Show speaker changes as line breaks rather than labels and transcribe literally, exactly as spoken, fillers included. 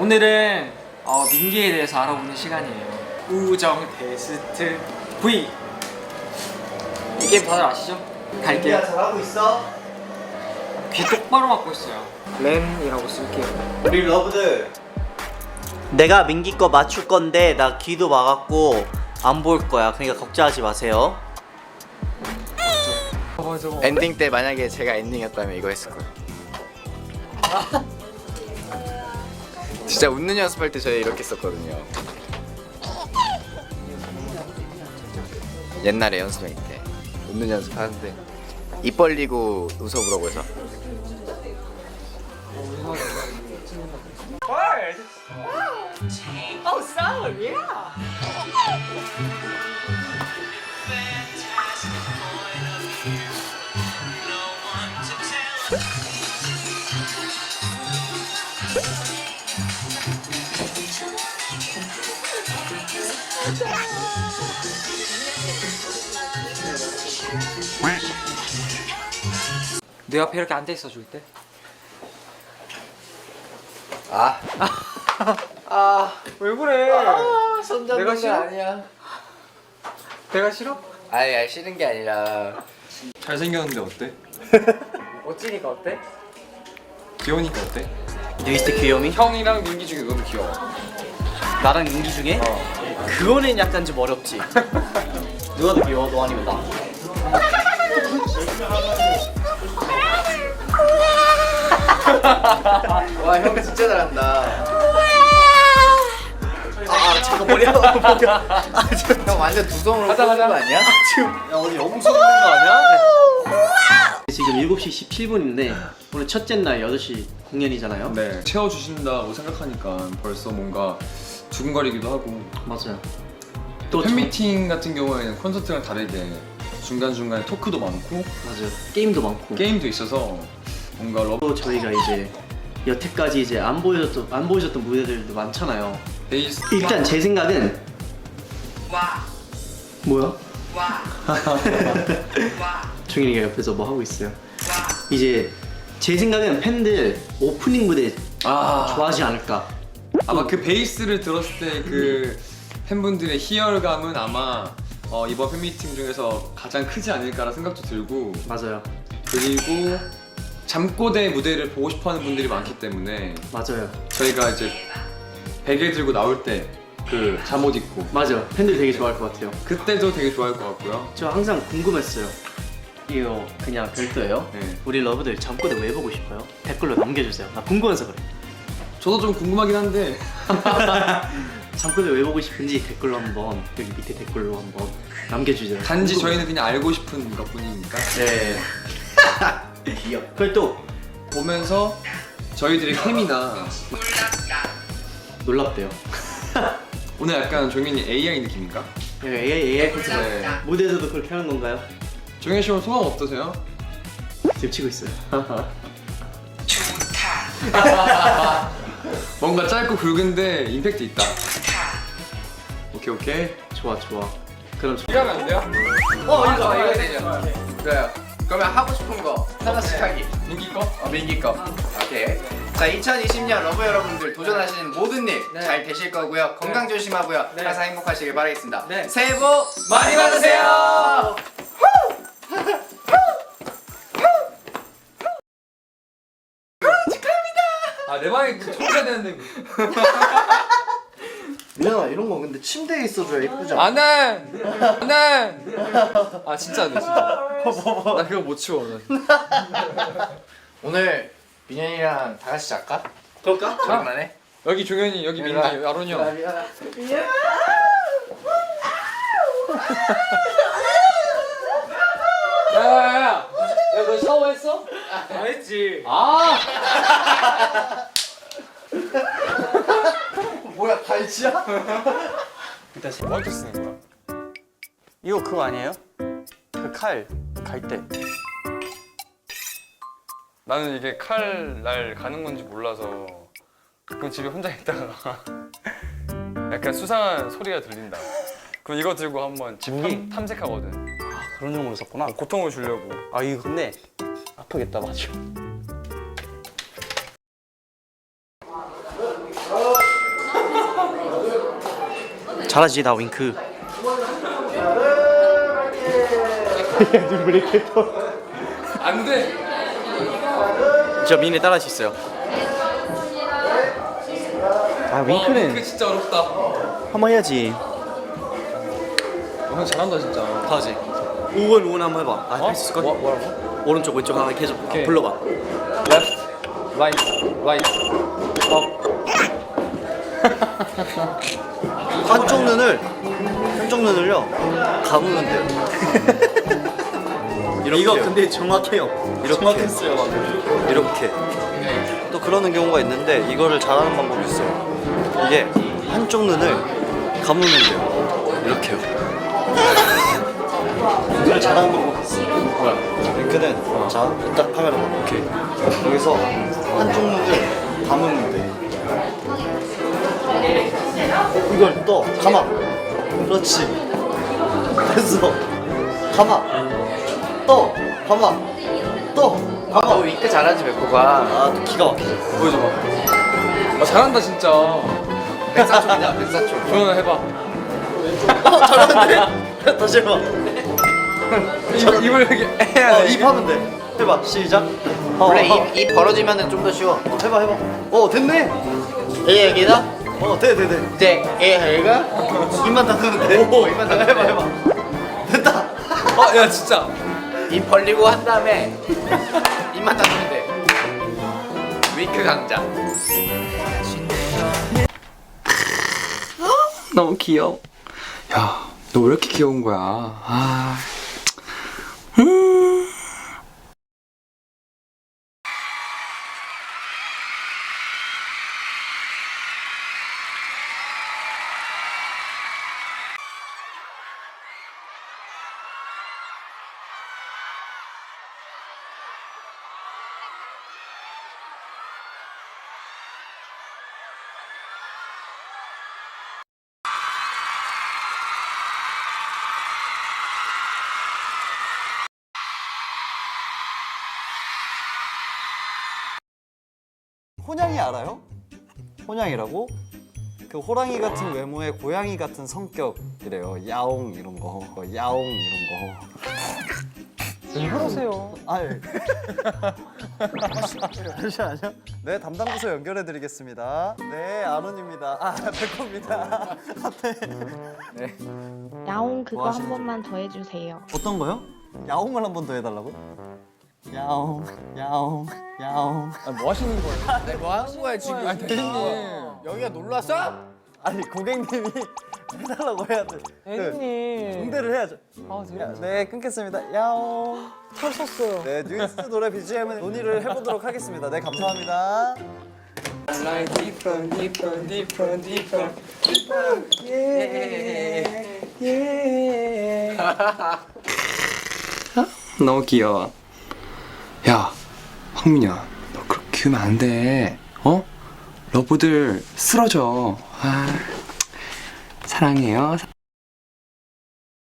오늘은 어, 민기에 대해서 알아보는 시간이에요. 우정 테스트 V. 이 게임 다들 아시죠? 갈게요.
잘하고 있어?
귀 똑바로 막고 있어요. 램이라고 쓸게요.
우리 러브들, 내가 민기 거 맞출 건데 나 귀도 막았고 안 볼 거야. 그러니까 걱정하지 마세요.
엔딩 때 만약에 제가 엔딩이었다면 이거 했을 거예요. 진짜 웃는 연습할 때 저희 이렇게 했었거든요. 옛날에 연습생 때 웃는 연습하는데 입 벌리고 웃어보라고 해서.
Oh, sour, yeah. 내 옆에 이렇게 앉아 있어 줄 때.
아,
아, 왜 그래?
아 손잡는
내가
거
싫어?
아니야.
내가 싫어?
아니, 아니 싫은 게 아니라
잘생겼는데 어때?
멋지니까 어때?
귀여우니까 어때?
뉴이스트 귀요미?
형이랑 민기 중에 너무 귀여워.
나랑 민기 중에?
어.
그거는 약간 좀 어렵지. 누가 더 귀여워? 너 아니면 나?
와, 형 진짜 잘한다.
아 잠깐 머리 아파. 아, 저,
형 완전 두 손으로
가자,
꽂는
가자.
거 아니야?
지금 야 어디 영수 있는 거 아니야? 지금 일곱 시 십칠 분인데 오늘 첫째 날 여덟 시 공연이잖아요.
네. 채워주신다고 생각하니까 벌써 뭔가 두근거리기도 하고.
맞아요. 또
팬미팅 같은 경우에는 콘서트랑 다르게 중간중간에 토크도 많고
맞아요. 게임도 많고.
게임도 있어서 뭔가 러브
또 저희가 이제 여태까지 이제 안 보여줬던 안 보여줬던 무대들도 많잖아요.
베이스
일단 제 생각은
와,
뭐야?
와, 와,
종현이가 옆에서 뭐 하고 있어요.
와.
이제 제 생각은 팬들 오프닝 무대
아
좋아하지 않을까.
아마 그 베이스를 들었을 때 그 팬분들의 희열감은 아마 어, 이번 팬미팅 중에서 가장 크지 않을까라는 생각도 들고,
맞아요.
그리고 잠꼬대 무대를 보고 싶어하는 분들이 많기 때문에
맞아요.
저희가 이제 베개 들고 나올 때 그 잠옷 입고
맞아. 팬들 되게 좋아할 것 같아요.
그때도 되게 좋아할 것 같고요.
저 항상 궁금했어요. 이거 그냥 별도예요.
네.
우리 러브들 잠꼬대 왜 보고 싶어요? 댓글로 남겨주세요. 나 궁금해서 그래.
저도 좀 궁금하긴 한데
잠꼬대 왜 보고 싶은지 댓글로 한번 여기 밑에 댓글로 한번 남겨주세요.
단지
궁금해요.
저희는 그냥 알고 싶은 것뿐이니까
네. 귀여워. 그걸 또
보면서 저희들의 케미나
놀랍대요.
오늘 약간 종현이 에이아이 느낌인가?
에이아이 에이아이 콘서트
네.
무대에서도 그렇게 하는 건가요?
종현 씨 오늘 소감 어떠세요?
지금 치고 있어요.
좋다,
뭔가 짧고 굵은데 임팩트 있다.
좋다.
오케이 오케이.
좋아 좋아. 그럼 저...
이거 하면 안 돼요?
어, 이거 이거 되죠. 그래요. 그러면 하고 싶은 거 하나씩 하기.
민기 거?
어, 민기 거. 오케이. 자, 이천이십 년 러브 여러분들 도전하시는 모든 일 잘 되실 거고요. 건강 조심하고요.
네.
항상 행복하시길 바라겠습니다.
네.
새해 복 많이 받으세요.
아 내 방에 청소해야 되는데.
민현아 이런 거 근데 침대에 있어줘야 예쁘잖아.
안해. 안해. 아 진짜 안돼 진짜. 나 그거 못 치워. 나.
오늘 민현이랑 다 같이 잘까?
그럴까?
장난해?
여기 종현이 여기 민기 아론이 형. 야야야. 야너 샤워했어?
안 했지.
아.
뭐야 갈치야?
뭐한테 쓰는 거야?
이거 그거 아니에요? 그 칼 갈 때.
나는 이게 칼 날 가는 건지 몰라서 가끔 집에 혼자 있다가 약간 수상한 소리가 들린다. 그럼 이거 들고 한번 집 탐, 탐색하거든.
아 그런 용으로 썼구나.
고통을 주려고.
아 이거 근데 아프겠다 맞죠? 잘하지 나 윙크.
안돼.
저 미니 따라할 수 있어요. 아 윙크는
진짜 어렵다.
한번 해야지.
형 잘한다 진짜.
다지. 우원 우원 한번 해봐. 아, 할 수 있을 걸?
뭐, 뭐라고?
오른쪽 왼쪽 하나 계속
오케이.
불러봐.
Left, right, right, up.
한쪽 눈을 한쪽 눈을요 감으면 돼요. 이렇게. 이거 근데 정확해요. 이렇게. 정확했어요. 이렇게. 또 그러는 경우가 있는데 이거를 잘하는 방법이 있어요. 이게 한쪽 눈을 감으면 돼요. 이렇게요. 눈을 잘하는 방법이 있어. 뭐야? 링크는 자 일단 카메라 봐. 오케이. 여기서 한쪽 눈을 감으면 돼. 이걸 또 감아. 그렇지. 됐어. 감아. 또 감아. 또
아,
감아.
너 윙크 잘하지 백호가.
아, 또 기가 막히지.
보여줘봐. 아 잘한다 진짜.
백사총이다 백사총.
조연아 해봐.
어, 잘하는데? 다시 해봐.
입, 입을 이렇게 해야
어,
돼.
입 하면 돼. 해봐. 시작. 어,
원래
어,
입, 입 벌어지면은 좀 더 쉬워.
어, 해봐, 해봐. 어, 됐네.
이 얘기다?
어, 돼, 돼, 돼.
이제 애 얘가
입만 닫으면 돼.
오, 입만 닫으면
해봐,
돼.
해봐. 됐다.
어, 야 진짜.
입 벌리고 한 다음에 입만 닫으면 돼. 윙크 강자.
너무 귀여워. 야, 너 왜 이렇게 귀여운 거야? 아. 음.
호냥이 알아요? 호냥이라고? 그 호랑이 같은 외모에 고양이 같은 성격이래요. 야옹 이런 거, 야옹 이런 거. 왜 그러세요? 아유. 잠시만요. 네, 담당 부서 연결해 드리겠습니다. 네, 아론입니다. 아, 백호입니다. 네.
야옹 그거
뭐
한
하시는지.
번만 더 해주세요.
어떤 거요? 야옹을 한 번 더 해달라고? 야옹, 야옹, 야옹.
아, 뭐 하시는 거예요?
네, 뭐 하는 거야 지금?
아니 대리님.
여기가 놀러 왔어?
아니 고객님이 해달라고 해야죠. 대리님. 응대를 해야죠. 아, 네, 끊겠습니다. 야옹. 털 썼어요. 네, 뉴이스트 노래 비지엠은 논의를 해보도록 하겠습니다. 네, 감사합니다.
너무 귀여워. 야, 황민아, 너 그렇게 키우면 안 돼. 어? 러브들 쓰러져. 아, 사랑해요.